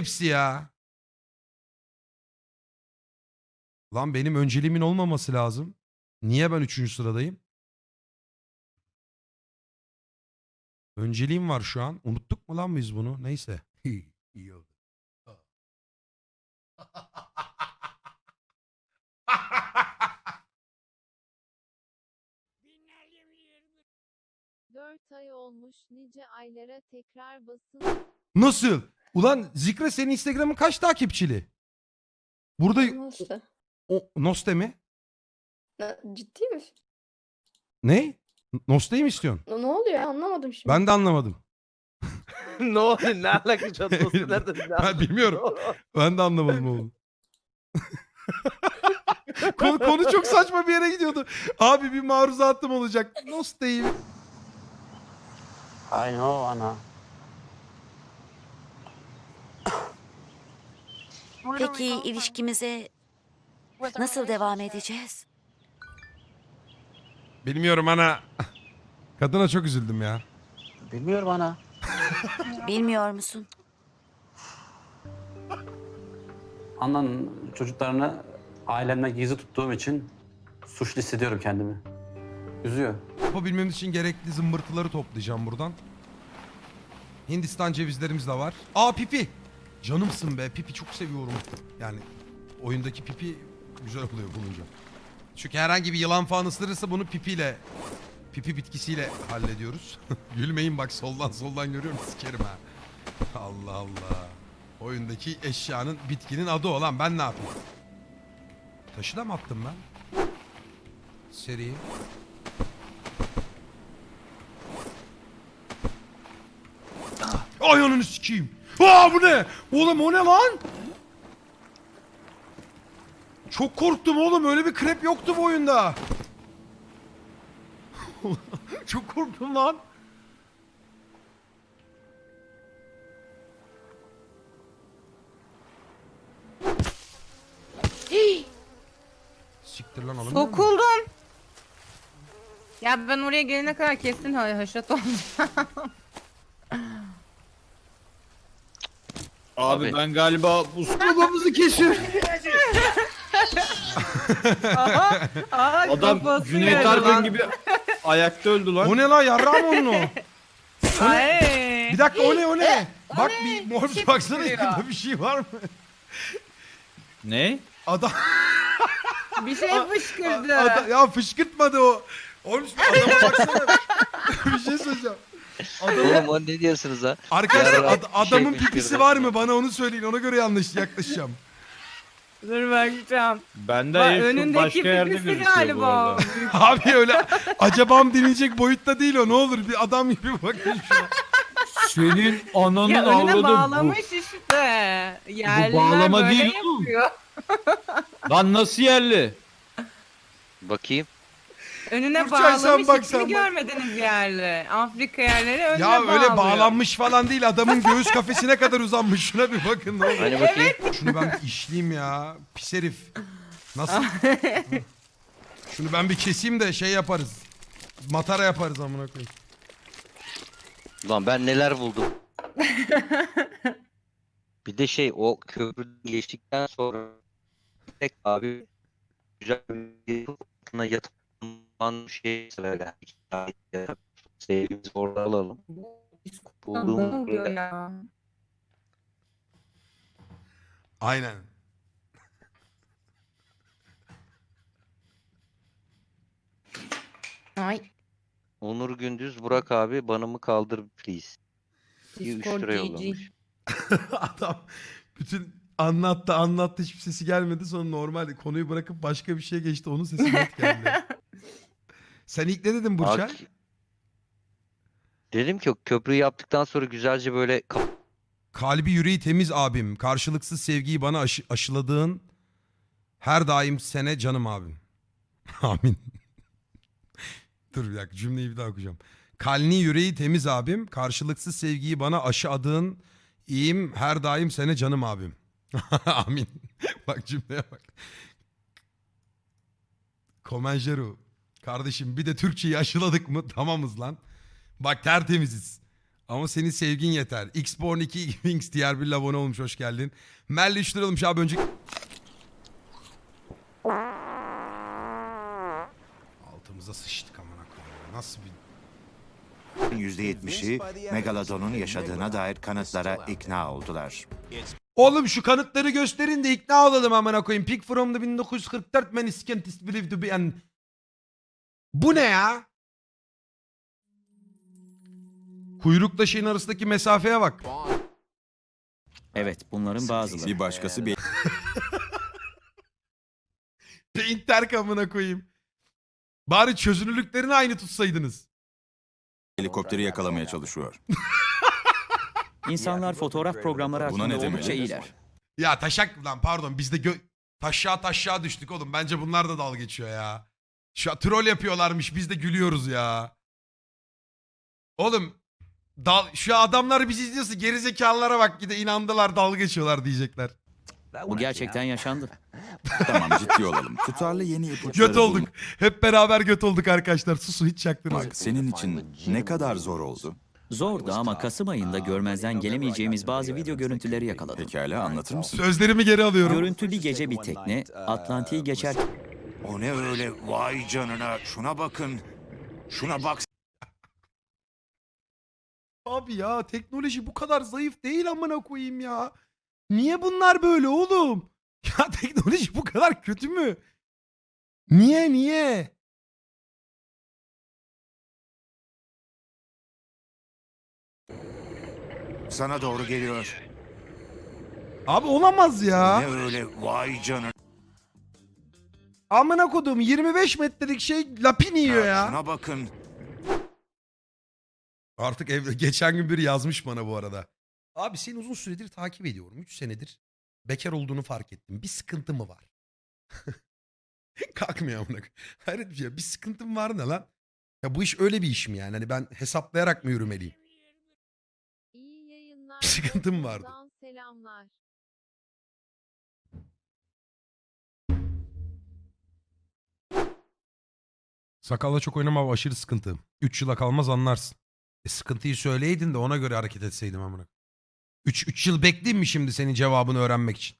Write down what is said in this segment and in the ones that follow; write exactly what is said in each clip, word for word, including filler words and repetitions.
hepsi ya. Lan benim önceliğimin olmaması lazım. Niye ben üçüncü sıradayım? Önceliğim var şu an. Unuttuk mu lan biz bunu? Neyse. İyi oldu. dört ay olmuş nice aylara tekrar basın. Nasıl? Ulan Zikre senin Instagram'ın kaç takipçili? Burada Nasıl? o, Noste mi? Ne- Ciddi mi? Ne? Noste'yi mi istiyorsun? Ne ne oluyor ya? Anlamadım şimdi. Ben de anlamadım. Ne oluyor? Ne alaka çatlasın? Nereden? Ne Ben bilmiyorum. Ben de anlamadım oğlum. konu, konu çok saçma bir yere gidiyordu. Abi bir maruzatım olacak. Noste'yi. I know, ana. Peki ilişkimize nasıl devam edeceğiz? Bilmiyorum ana. Kadına çok üzüldüm ya. Bilmiyorum ana. Bilmiyor musun? Anan çocuklarını ailemden gizli tuttuğum için suçlu hissediyorum kendimi. Üzüyor. Yapabilmemiz için gerekli zımbırtıları toplayacağım buradan. Hindistan cevizlerimiz de var. Aa Pipi. Canımsın be. Pipi çok seviyorum. Yani oyundaki Pipi güzel oluyor bulunca. Çünkü herhangi bir yılan falan ısırırsa bunu pipiyle, pipi bitkisiyle hallediyoruz. Gülmeyin bak soldan soldan görüyorum sikerim ha. Allah Allah. Oyundaki eşyanın bitkinin adı olan ben ne yapayım? Taşı da mı attım ben? Seri. Ay ananı sikeyim. Aa bu ne? Oğlum o ne lan? Çok korktum oğlum. Öyle bir krep yoktu bu oyunda. Çok korktum lan. Siktir lan alın. Sokuldum. Ya ben oraya gelene kadar kesin ha haşat olacağım. Abi, ben galiba bu babamızı kesiyorum. Aha, aha, Adam kafası Cüneyt yarı Arkın lan. gibi ayakta öldü lan. O ne lan yarrağım onun o. Ay. Bir dakika o ne o ne? Bak ne? bir mor Bir şey baksana fışkırıyor. yakında bir şey var mı? Ne? Adam, Bir şey fışkırdı. adam ya fışkırtmadı o. Oğlum adama baksana. Bir şey söyleyeceğim. Oğlum o ne diyorsunuz ha? Arkadaşlar Yarrak ad- bir şey adamın fışkırdı. pipisi var mı? Bana onu söyleyin. Ona göre yanlış yaklaşacağım. Dur bakacağım. Bende Bak, herif önündeki başka yerde pipisi gözüküyor bu galiba. arada. Abi öyle acabam dinleyecek boyutta değil o. Ne olur bir adam gibi bakın şu an. Senin ananın Ya önüne avradı bağlamış işte. Yerliler bağlama böyle değil oğlum. yapıyor. bu. Lan nasıl yerli? Bakayım. Önüne Burçay, sen bağlamış bak, hiç sen mi bak. görmediniz yerli? Afrika yerleri önüne Ya bağlıyor. öyle bağlanmış falan değil. Adamın göğüs kafesine kadar uzanmış. Şuna bir bakın ne olur. Hani bakayım. Şunu ben bir işleyeyim ya. Pis herif. Nasıl? Şunu ben bir keseyim de şey yaparız. Matara yaparız amına koyayım. Ulan ben neler buldum. Bir de şey o köprüden geçtikten sonra tek abi güzel bir altına yatılan şey böyle. Sevgimizi orada alalım. Ne Bulduğumuz oluyor ya? Aynen. Ay. Onur Gündüz Burak abi banımı kaldır please. İyi üç Discord lira G G. yollamış. Adam bütün anlattı anlattı hiçbir sesi gelmedi. Sonra normal konuyu bırakıp başka bir şeye geçti. Onun sesi net geldi. Sen ilk ne dedin Burçay? Ak- Dedim ki o köprüyü yaptıktan sonra güzelce böyle kap- Kalbi yüreği temiz abim. Karşılıksız sevgiyi bana aşı- aşıladığın her daim sene canım abim. Amin. Dur bir dakika cümleyi bir daha okuyacağım. Kalni yüreği temiz abim. Karşılıksız sevgiyi bana aşıladığın iyiyim her daim sene canım abim. Amin. Bak cümleye bak. Komenjeru. Kardeşim bir de Türkçeyi aşıladık mı tamamız lan. Bak tertemiziz. Ama senin sevgin yeter. Xborn iki Wings diğer bir abone olmuş, hoş geldin. Melli üç lira olmuş abi önce. Altımıza sıçtık amına koyayım. Nasıl bir... yüzde yetmişi Megalodon'un yaşadığına dair kanıtlara ikna oldular. Oğlum şu kanıtları gösterin de ikna olalım amına koyayım. Pick from the bin dokuz yüz kırk dört many scientists believe to be an... Bu ne ya? Kuyrukla şeyin arasındaki mesafeye bak. Evet, bunların bazıları. Bir başkası bir Paint terk amına koyayım. Bari çözünürlüklerini aynı tutsaydınız. helikopteri yakalamaya çalışıyor. İnsanlar fotoğraf programları Buna ne hakkında demeli? oldukça iyiler. Ya taşak lan pardon biz de gö taşağa taşağa düştük oğlum. Bence bunlar da dalga geçiyor ya. Şu an troll yapıyorlarmış biz de gülüyoruz ya. Oğlum dal şu adamlar bizi izliyorsa gerizekalılara bak gide inandılar dalga geçiyorlar diyecekler. Bu gerçekten yaşandı. Tamam ciddi olalım. Tutarlı yeni ipuçları Göt olduk. Hep beraber göt olduk arkadaşlar. Susun hiç çaktırmayın. bulmak senin için ne kadar zor oldu? Zordu ama Kasım ayında görmezden gelemeyeceğimiz bazı video görüntüleri yakaladım. Pekala anlatır mısın? Sözlerimi geri alıyorum. Görüntü bir gece bir tekne Atlantik'i geçer. O ne öyle vay canına şuna bakın. Şuna bak. Abi ya teknoloji bu kadar zayıf değil amına koyayım ya. Niye bunlar böyle oğlum? Ya teknoloji bu kadar kötü mü? Niye niye? Sana doğru geliyor. Abi olamaz ya. Ne öyle vay canına. Amına kodum yirmi beş metrelik şey lapin yiyor ya. Şuna bakın. Artık ev, geçen gün biri yazmış bana bu arada. Abi seni uzun süredir takip ediyorum. üç senedir bekar olduğunu fark ettim. Bir sıkıntı mı var? Kalkmıyor amına koyayım. Hayret bir şey. Bir sıkıntım var ne lan? Ya bu iş öyle bir iş mi yani? Hani ben hesaplayarak mı yürümeliyim? İyi yayınlar. Sıkıntım vardı. Buradan Selamlar. Sakalla çok oynama aşırı sıkıntı. üç yıla kalmaz anlarsın. E sıkıntıyı söyleydin de ona göre hareket etseydim amına. üç üç yıl bekleyeyim mi şimdi senin cevabını öğrenmek için?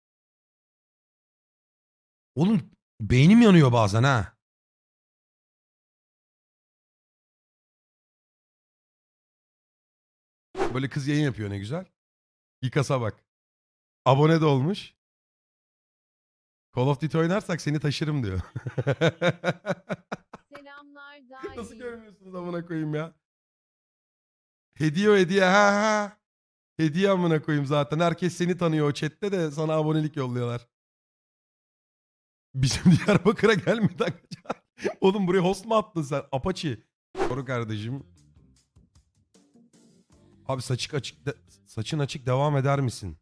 Oğlum beynim yanıyor bazen ha. Böyle kız yayın yapıyor ne güzel. İkasa bak. Abone de olmuş. Call of Duty oynarsak seni taşırım diyor. Selamlar dahi. Nasıl görmüyorsunuz amına koyayım ya? Hediye o hediye ha ha. Hediye amına koyayım zaten. Herkes seni tanıyor o chatte de sana abonelik yolluyorlar. Bizim Diyarbakır'a gelmedi arkadaşlar. Oğlum buraya host mu attın sen? Apache. Doğru kardeşim. Abi saçık açık de- saçın açık devam eder misin?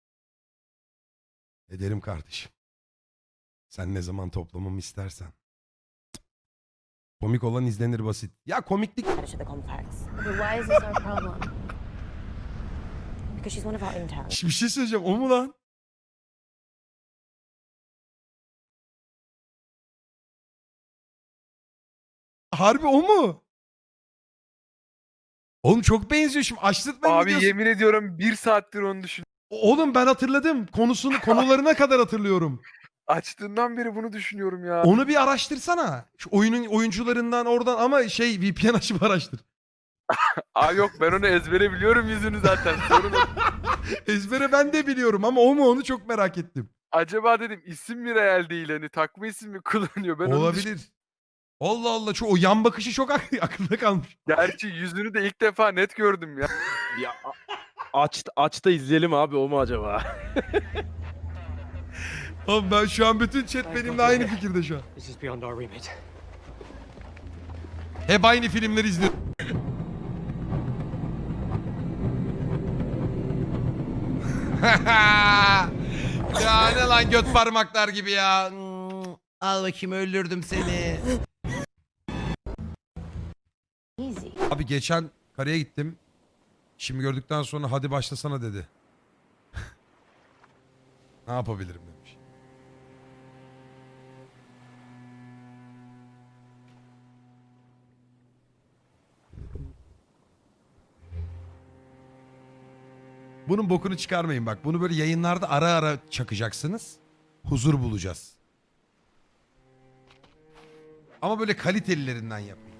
Ederim kardeşim. Sen ne zaman toplamamı istersen. Komik olan izlenir basit. Ya komiklik... Why is this our problem? Because she's one of our interns. Bir şey söyleyeceğim. O mu lan? Harbi o mu? Oğlum çok benziyor şimdi. Açtırtmayın Abi videosu. yemin ediyorum bir saattir onu düşün. Oğlum ben hatırladım. Konusunu konularına kadar hatırlıyorum. Açtığından beri bunu düşünüyorum ya. Onu bir araştırsana. Şu oyunun oyuncularından oradan ama şey V P N açıp araştır. Aa yok ben onu ezbere biliyorum yüzünü zaten. Sorun o. Ezbere ben de biliyorum ama o mu onu çok merak ettim. Acaba dedim isim mi real değil hani takma isim mi kullanıyor? Ben onu düşün- Olabilir. Allah Allah çok, o yan bakışı çok ak- aklımda kalmış. Gerçi yüzünü de ilk defa net gördüm ya. Ya a- aç aç da izleyelim abi o mu acaba? Oğlum ben şu an bütün chat benimle aynı fikirde şu an. This is beyond our remit. Hep aynı filmleri izliyorum. Ya ne lan göt parmaklar gibi ya. Hmm, al bakayım öldürdüm seni. Easy. Abi geçen karaya gittim. Şimdi gördükten sonra hadi başlasana dedi. Ne yapabilirim demiş. Bunun bokunu çıkarmayın bak. Bunu böyle yayınlarda ara ara çakacaksınız. Huzur bulacağız. Ama böyle kalitelilerinden yapın.